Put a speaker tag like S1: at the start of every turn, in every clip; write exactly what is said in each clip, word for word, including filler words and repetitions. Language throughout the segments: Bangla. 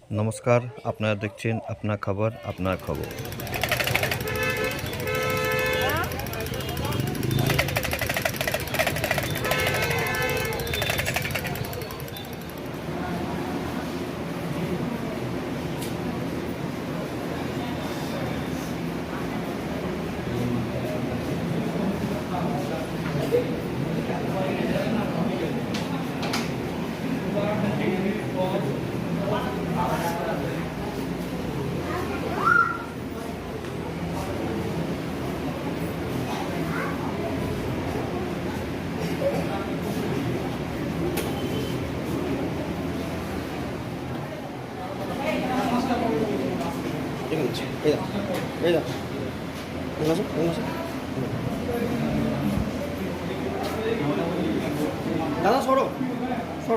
S1: নমস্কার, আপনারা দেখছেন আপনার খবর আপনার খবর।
S2: দাদা সরো সরো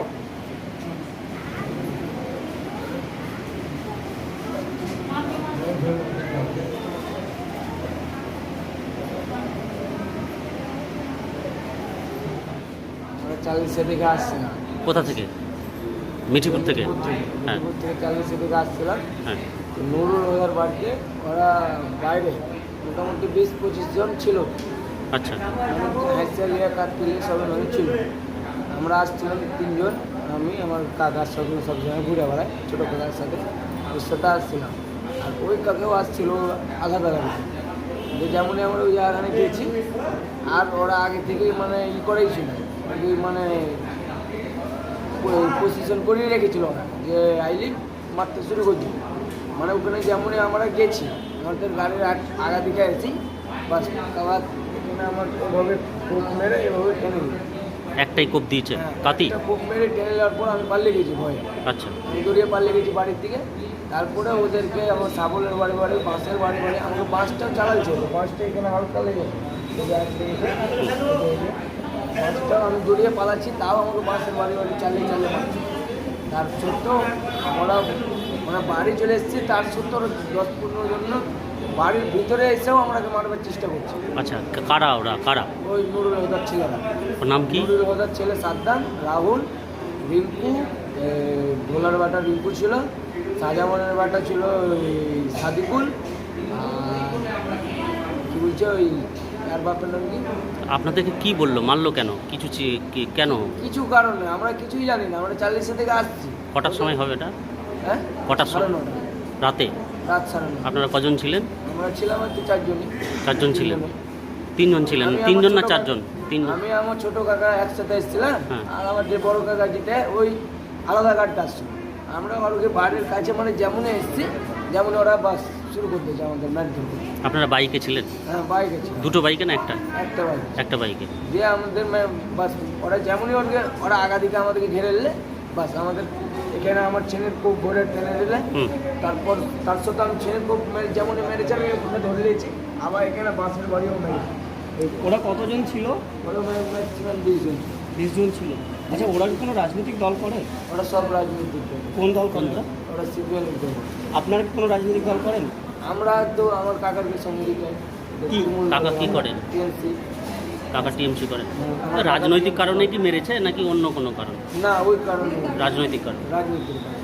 S2: চালিশে থেকে আসছিলাম।
S3: কোথা থেকে? মিঠিপুর থেকে? হ্যাঁ।
S2: মিঠিপুর থেকে চালিশে থেকে আসছিলাম।
S3: হ্যাঁ।
S2: তো নুরুল ওদের বাড়িতে ওরা বাইরে মোটামুটি বিশ পঁচিশ জন ছিল।
S3: আচ্ছা।
S2: হাইসালিয়া কাঠপিলে সব নদী ছিল। আমরা আসছিলাম তিনজন, আমি আমার কাকার সঙ্গে সব জায়গায় ঘুরে বেড়াই, ছোটো কাকার সাথে ওর সাথে আসছিলাম। আর ওই কাকেও আসছিল আলাদা গাড়ি, যে যেমনই আমরা ওই জায়গাখানে গিয়েছি। আর ওরা আগে থেকেই মানে ই করেই ছিল, মানে পজিশন করেই রেখেছিল ওরা, যে আইলি মারতে শুরু করছিল। মানে ওখানে যেমনই আমরা গেছি, আমাদের গাড়ির আগা দিকে এসেছি, বাস আবার এখানে আমার ওভাবে কোপ মেরে এভাবে টেনে দিই।
S3: একটাই কোপ দিয়েছে? কাতি?
S2: কোপ মেরে টেনে যাওয়ার পর আমি পালিয়ে গেছি ভয়ে।
S3: আচ্ছা।
S2: আমি দৌড়িয়ে পালিয়ে গেছি বাড়ির দিকে। তারপরে ওদেরকে আমার সাবলের বাড়ি বাড়ি বাঁশের বাড়ি বাড়ি আমাকে বাঁশটাও চালাইছে, বাঁশটা এখানে হালকা লেগে বাঁশটাও আমি দৌড়িয়ে পালাচ্ছি, তাও আমাকে বাঁশের বাড়ি বাড়ি চালিয়ে চালিয়ে পাচ্ছি। তার সত্ত্বেও আমরা মানে বাড়ি চলে এসেছি, তার সত্ত্বেও দশ পনেরো জন্য বাড়ির ভিতরে এসেও আমাকে মারবার চেষ্টা করছে।
S3: আচ্ছা, কারা ওরা? কারা?
S2: ওই নুরুল হোদার ছেলেরা।
S3: ওর নাম কি?
S2: নুরুল হোদার ছেলে সাদ্দাম, রাহুল, রিঙ্কু, ভোলার বাটা রিঙ্কু ছিল, শাহজামানের বাটা ছিল ওই সাদিকুল, আর কী বলছে ওই আর বাপের নাম কি?
S3: আপনাদেরকে কি বললো? মারলো কেন? কিছু চি- কি- কেন?
S2: কিছু কারণে আমরা কিছুই জানি না। আমরা চাল্লিশে থেকে আসছি।
S3: কটার সময় হবে এটা?
S2: হ্যাঁ,
S3: কটার
S2: সাড়ে
S3: সময়?
S2: নটা
S3: রাতে?
S2: রাত সাড়ে নটা।
S3: আপনারা কজন ছিলেন?
S2: আমরা ছিলাম হচ্ছে চারজনই।
S3: চারজন ছিলেন? তিনজন ছিলেন?
S2: আমি আমার
S3: তিনজন না
S2: ছোট
S3: চারজন?
S2: কাকা-
S3: তিনজন।
S2: আমি আমার ছোটো কাকা একসাথে এসেছিলাম,
S3: হ্যাঁ।
S2: আর আমার যে বড় কাকা যেটা ওই আলাদা গাড়িটা আসছিল। আমরা ওকে বাড়ির কাছে মানে যেমনই এসেছি, যেমন ওরা বাস শুরু করতেছে আমাদের ম্যান ধরতে।
S3: আপনারা বাইকে ছিলেন?
S2: হ্যাঁ, বাইকে ছিল।
S3: দুটো বাইকে না একটা?
S2: একটা বাইক।
S3: একটা বাইকে।
S2: দিয়ে আমাদের মা- বাস ওরা যেমনই ওকে ওরা আগা দিকে আমাদেরকে ঘিরে নিলে, বাস আমাদের এখানে আমার ছেলের কোপ ভরে টেনে দিলে।
S3: হুম।
S2: তারপর তার সাথে আমি ছেলের কোপ মেরে যেমনই মেরেছে আমি ওখানে ধরে নিয়েছি, আবার এখানে বাসের বাড়িও মেরেছি।
S4: ওরা কতজন ছিল?
S2: ওরা ম্যাক্সিমাম বিশ জন।
S4: বিশ জন ছিল। আচ্ছা, ওরা কি কোনো রাজনৈতিক দল করে?
S2: ওরা সব রাজনৈতিক দল।
S4: কোন দল করে ওরা?
S2: ওরা সিপিএম দল।
S4: আপনারা কি কোনো রাজনৈতিক দল করেন?
S2: আমরা তো আমার কাকার সঙ্গে
S4: কি?
S3: কাকা কি করেন?
S2: টিএমসি।
S3: কাকা টিএমসি করেন? রাজনৈতিক কারণে কি মেরেছে নাকি অন্য কোনো কারণ?
S2: না, ওই কারণে
S3: রাজনৈতিক কারণ।
S2: রাজনীতির কারণে।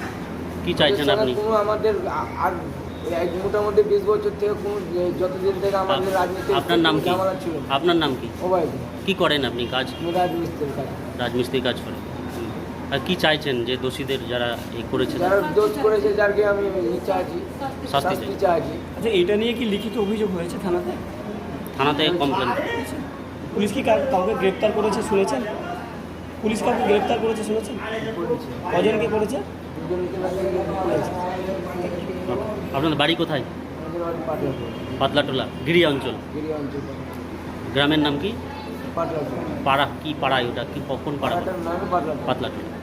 S3: কি চাইছেন
S2: এছাড়া
S3: আপনি?
S2: কোনো আমাদের আ- আর এক মোটামুটি বিশ বছর থেকে কোনো যে- যতদিন থেকে আমাদের রাজনীতি
S3: আপনার নাম কি?
S2: ঝামেলা ছিল।
S3: আপনার নাম কি?
S2: ওবাই
S3: কি করেন আপনি কাজ?
S2: আমি রাজমিস্ত্রির কাজ।
S3: রাজমিস্ত্রি কাজ করেন। আর কি চাইছেন যে দোষীদের যারা এই করেছে?
S2: যারা দোষ করেছে, যারকে আমি ইচ্ছা আছি
S3: শাস্তি
S2: শাস্তি চাইছি।
S4: আচ্ছা, এটা নিয়ে কি লিখিত অভিযোগ হয়েছে থানাতে?
S3: থানাতে কমপ্লেন?
S4: পুলিশ কি কাউ- কাউকে গ্রেপ্তার করেছে শুনেছেন? পুলিশ কাউকে গ্রেপ্তার করেছে শুনেছেন?
S2: করেছে।
S4: কজনকে করেছে?
S2: দুজনকে নাকি করেছে।
S3: আপনাদের বাড়ি কোথায়?
S2: আমাদের বাড়ি পাটলাপুর,
S3: পাতলাটোলা গিরি অঞ্চল।
S2: গিরি অঞ্চল।
S3: গ্রামের নাম কি?
S2: পাটলাপুর।
S3: পাড়া কি পাড়ায় ওটা? কি কখন পাড়া?
S2: পাড়াটার নামই পাটলাপুর।
S3: পাতলাটোলা।